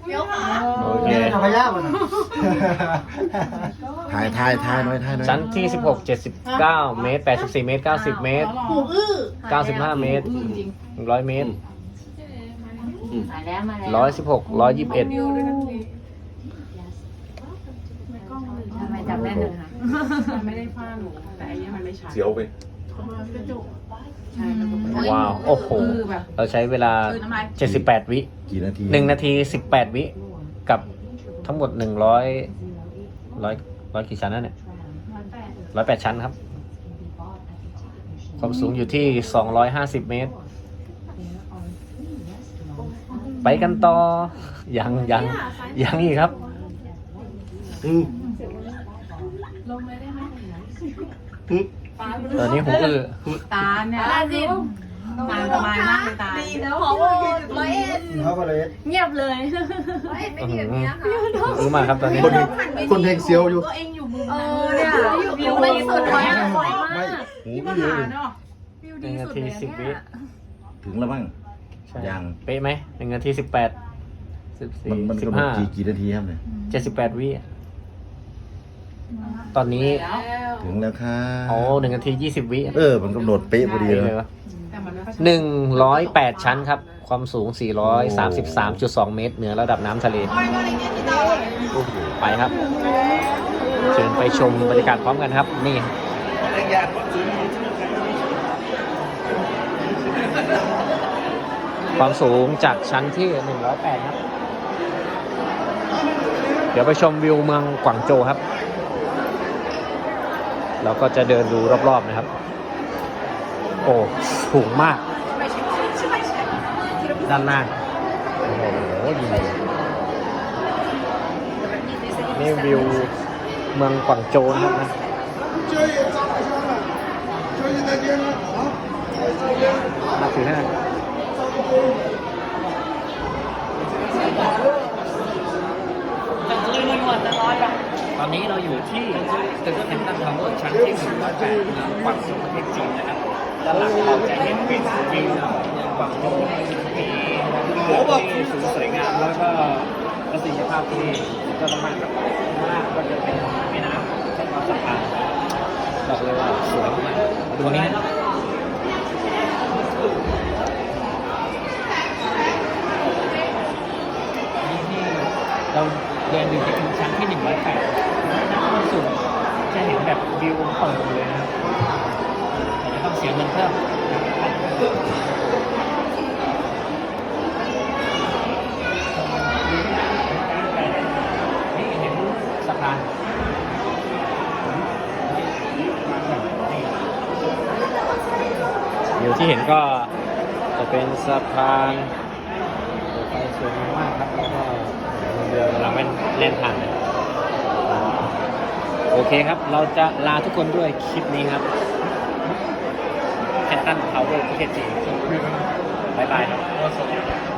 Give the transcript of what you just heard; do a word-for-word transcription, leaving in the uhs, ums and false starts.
โอเคพยามันถ่ายถ่ายถ่ายหน่อยถ่ายหน่อยชั้นที่สิบหก เจ็ดสิบเก้าเมตรแปดสิบสี่เมตรเก้าสิบเมตรหูอื้อเก้าสิบห้าเมตรหนึ่งร้อยเมตรมาแล้วมาแล้วร้อยสิบหก ร้อยยี่สิบเอ็ดทำไมจำได้เลยคะมันไม่ได้ฟาดหนูแต่อันนี้มันไม่ชัดเสียวไปกระจกใช่กระจกว้าว โอ้โห เราใช้เวลา เจ็ดสิบแปด วิกี่นาทีหนึ่งนาทีสิบแปดวิ กับทั้งหมดหนึ่งร้อยร้อยร้อยกี่ชั้นนะเนี่ยร้อยแปดชั้นครับ ความสูงอยู่ที่สองร้อยห้าสิบเมตร ไปกันต่อ ยังยังยังอีกครับอืมลงเลยได้ไหมอืมตอนนี้หูอื้อตาเนี่ยตาจินตาสบายมากเลยตาดีแล้วขอโทษร้อยเอ็ดเขาก็เลยเงียบเลยร้อยเอ็ดไม่ดีแบบนี้นะคะหูอื้อมากครับตอนนี้คนคนเพลงเสียวอยู่ตัวเองอยู่มุมเอนั้นอเนี่ยวิวไปสุดเลยอะสวยมากหูที่อื้มาอหาเนาะวิวหดีนึ่งนาสุดทีเลยสิบวิเนี่ยถึงแล้วมั้งใช่ยังเป๊ะไหมหนึ่งนาทีสิบแปดสิบสี่มันมันสิบกำหนดห้ากี่กี่นาทีครับเนี่ยเจ็ดสิบแปดวิตอนนี้ถึงแล้วค่ะโอ้หนึ่งนาทียี่สิบวิเออมันกำหนดเป๊ะพอดีเป๊ะเลเลย ยวะแต่มันไม่ค่อยชัดหนึ่งร้อยแปดชั้นครับ ความสูงสี่ร้อยสามสิบสามจุดสองเมตร เหนือระดับน้ำทะเล ไปครับ เชิญไปชมบรรยากาศพร้อมกันครับ นี่ ความสูงจากชั้นที่หนึ่งร้อยแปดครับ เดี๋ยวไปชมวิวเมืองกวางโจวครับ เราก็จะเดินดูรอบๆนะครับ โอ้สูงมาก ด้านล่าง โอ้โหดีนี่วิวเมืองกวางโจวนะครับนะมาถึงแล้วตอนนี้เราอยู่ที่ตึกแฮมตันทาวเวอร์ชั้นที่หนึ่งร้อยแปดเมืองกวางโจวประเทศจีนนะครับด้านหลังเราจะเห็นเป็นวิวเมืองกวางโจวมีโอ้แบบที่สูงสวยงามแล้วก็ประสิทธิภาพที่ก็ต้องมากครับข้างล่างก็จะเป็นแม่น้ำเส้นความสะพานบอกเลยว่าสวยมากดูนี้นะนี่ที่เราเดินอยู่ที่ชั้นที่หนึ่งร้อยแปดความสูงจะเห็นแบบวิวเปิดเลยนะครับแต่จะต้องเสียเงินเพิ่มนี่เห็นสะพานวิวที่เห็นก็จะเป็นสะพานรถไฟสวยมากครับแล้วก็เรือกำลังเล่นผ่านเลยโอเคครับ เราจะลาทุกคนด้วยคลิปนี้ครับแคนตันทาวเวอร์ประเทศจีนบ๊ายบายครับ